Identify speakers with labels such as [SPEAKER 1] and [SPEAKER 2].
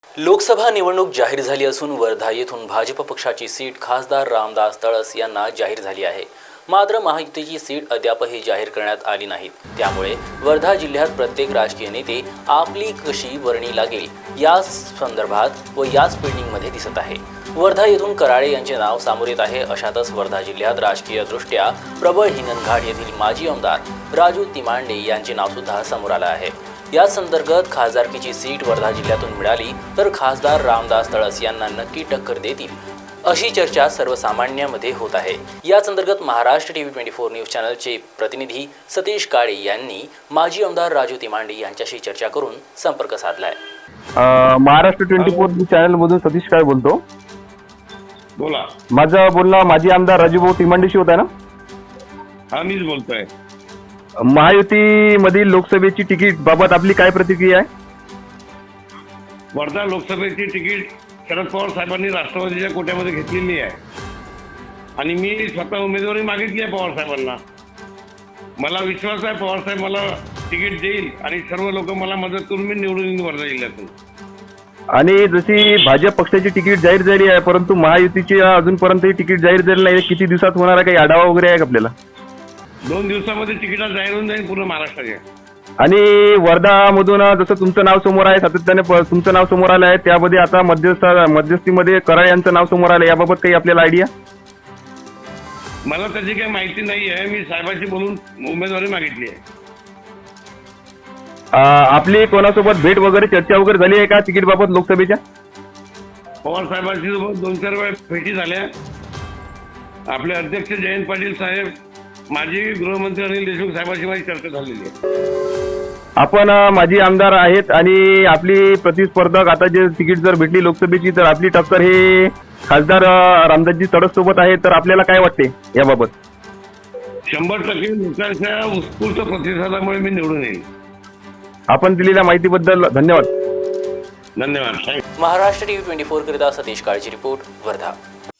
[SPEAKER 1] लोकसभा निवडणूक जाहीर झाली असून वर्धा येथून भाजप पक्षाची सीट खासदार रामदास तळस यांना जाहीर झाली आहे. मात्र महायुतीची सीट अद्यापही जाहीर करण्यात आली नाहीत. त्यामुळे वर्धा जिल्ह्यात प्रत्येक राजकीय नेते आपली कशी वर्णी लागेल या संदर्भात व याच पेंडिंगमध्ये दिसत आहे. वर्धा येथून कराळे यांचे नाव समोर येत आहे. अशातच वर्धा जिल्ह्यात राजकीयदृष्ट्या प्रबळ हिंगणघाट येथील माजी आमदार राजू तिमांडे यांचे नाव सुद्धा समोर आले आहे. याच अंतर्गत खासदारकीची सीट वर्धा जिल्ह्यातून मिळाली तर खासदार रामदास तळस यांना नक्की टक्कर देतील अशी चर्चा सर्वसामान्यांमध्ये होत आहे. याच अंतर्गत महाराष्ट्र टीव्ही 24 न्यूज चॅनलचे प्रतिनिधी सतीश काळे यांनी माजी आमदार राजू तिमांडे यांच्याशी चर्चा करून संपर्क साधलाय.
[SPEAKER 2] महाराष्ट्र 24 चॅनल मधून सतीश काळे बोलतो.
[SPEAKER 3] बोला.
[SPEAKER 2] माझं बोलणं माजी आमदार राजूभाऊ तिमांडेशी होत आहे ना?
[SPEAKER 3] हा, मीच बोलतोय.
[SPEAKER 2] महायुती मधील लोकसभेची तिकीट बाबत आपली काय प्रतिक्रिया आहे?
[SPEAKER 3] वर्धा लोकसभेची तिकीट शरद पवार साहेबांनी राष्ट्रवादीच्या कोट्यामध्ये घेतलेली आहे आणि मी स्वतः उमेदवारी मागितली आहे पवार साहेबांना. मला विश्वास आहे पवार साहेब मला तिकीट देईल आणि सर्व लोक मला मदत करून मी निवडून येईन वर्धा जिल्ह्यातून.
[SPEAKER 2] आणि जशी भाजप पक्षाची तिकीट जाहीर झाली आहे परंतु महायुतीची अजूनपर्यंत तिकीट जाहीर झाली नाही. किती दिवसात होणार आहे, काही आढावा वगैरे आहे का आपल्याला?
[SPEAKER 3] 2 दिवसामध्ये तिकीट जाहीर होऊन जाईल पूर्ण महाराष्ट्राचे.
[SPEAKER 2] आणि वर्धा मधून जसं तुमचं नाव समोर आहे, सातत्याने तुमचं नाव समोर आलं आहे, त्यामध्ये आता मध्यस्थीमध्ये कराळे यांचं नाव समोर आलं. याबाबत काही आपल्याला आयडिया?
[SPEAKER 3] मला त्याची काही माहिती नाही आहे. मी साहेबांशी बोलून उमेदवारी मागितली आहे.
[SPEAKER 2] आपली कोणासोबत भेट वगैरे चर्चा वगैरे झाली आहे का तिकीट बाबत लोकसभेच्या?
[SPEAKER 3] पवार साहेबांशी 2-4 वेळा भेटी झाल्या. आपले अध्यक्ष जयंत पाटील साहेब, माजी गृहमंत्री अनिल देशमुख साहेबांशी माझी चर्चा झालेली आहे.
[SPEAKER 2] आपण माजी आमदार आहेत आणि आपली प्रतिस्पर्धक आता जे तिकीट जर भेटली लोकसभेची तर आपली टक्कर हे खासदार रामदासजी तळस सोबत आहे. तर आपल्याला काय वाटते याबाबत?
[SPEAKER 3] 100% लोकांच्या उत्स्फूर्त प्रतिसादामुळे मी निवडून येईल.
[SPEAKER 2] आपण दिलेल्या माहितीबद्दल धन्यवाद.
[SPEAKER 3] धन्यवाद.
[SPEAKER 1] महाराष्ट्र टीव्ही 24 करिता सतीश काळेची रिपोर्ट, वर्धा.